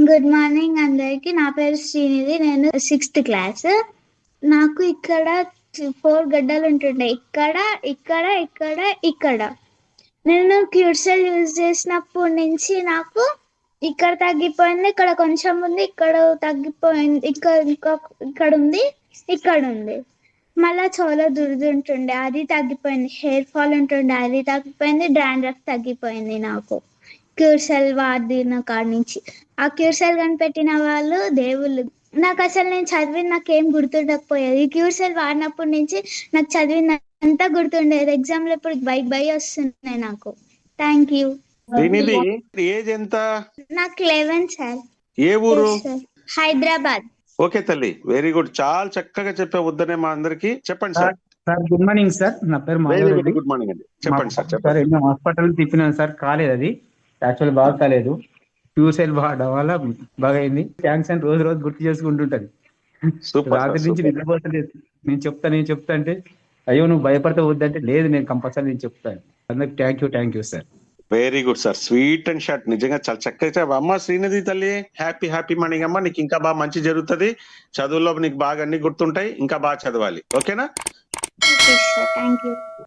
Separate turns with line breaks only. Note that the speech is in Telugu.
గుడ్ మార్నింగ్ అందరికి. నా పేరు శ్రీనిధి. నేను 6th క్లాస్. నాకు ఇక్కడ 4 గడ్డలు ఉంటుండే, ఇక్కడ ఇక్కడ ఇక్కడ ఇక్కడ. నేను క్యూర్సెల్ యూజ్ చేసినప్పటి నుంచి నాకు ఇక్కడ తగ్గిపోయింది, ఇక్కడ కొంచెం ఉంది, ఇక్కడ తగ్గిపోయింది, ఇక్కడ ఉంది, ఇక్కడ ఉంది. మళ్ళా చాలా దురద ఉంటుండే, అది తగ్గిపోయింది. హెయిర్ ఫాల్ ఉంటుండే, అది తగ్గిపోయింది. డాండ్రఫ్ తగ్గిపోయింది నాకు క్యూర్సెల్ వాడిన కాడ నుంచి. ఆ క్యూర్సెల్ కనిపెట్టిన వాళ్ళు దేవుళ్ళు. నాకు అసలు నేను చదివిన నాకేం గుర్తుండకపోయేది. ఈ క్యూర్సెల్ వాడినప్పటి నుంచి నాకు చదివిన అంతా గుర్తుండేది. ఎగ్జామ్ లో ఇప్పుడు బై వస్తున్నాయి నాకు. Thank you.
ఏజ్ ఎంత?
నాకు 11 సార్.
ఏ ఊరు?
హైదరాబాద్.
ఓకే తల్లి, వెరీ గుడ్. చాలా చక్కగా చెప్పే వద్దనే మా అందరికి. చెప్పండి sir.
Sir good morning sir. నా పేరు మాధవ్.
గుడ్ మార్నింగ్ అండి. చెప్పండి సార్.
సార్ ఎన్నో హాస్పిటల్ తిప్పినాను సార్, కాలేదు. అది యాక్చువల్ బాగా కాలేదు. క్యూసెల్ వాడడం వల్ల బాగా అయింది. థ్యాంక్స్ అని రోజు రోజు గుర్తు చేసుకుంటుంటది. రాత్రి నుంచి నిద్రపోతలేదు. నేను చెప్తా అంటే అయ్యో నువ్వు భయపడతా వద్దంటే లేదు, నేను కంపల్సరీ నేను చెప్తాను. అందరికి thank you sir.
Very good sir. Sweet and short. నిజంగా చాలా చక్కగా. అమ్మ శ్రీనిధి తల్లి, హ్యాపీ మార్నింగ్ అమ్మ. నీకు ఇంకా బాగా మంచి జరుగుతుంది. చదువుల్లో నీకు బాగా అన్ని గుర్తుంటాయి. ఇంకా బాగా చదవాలి. ఓకేనా?
Okay sir, thank you.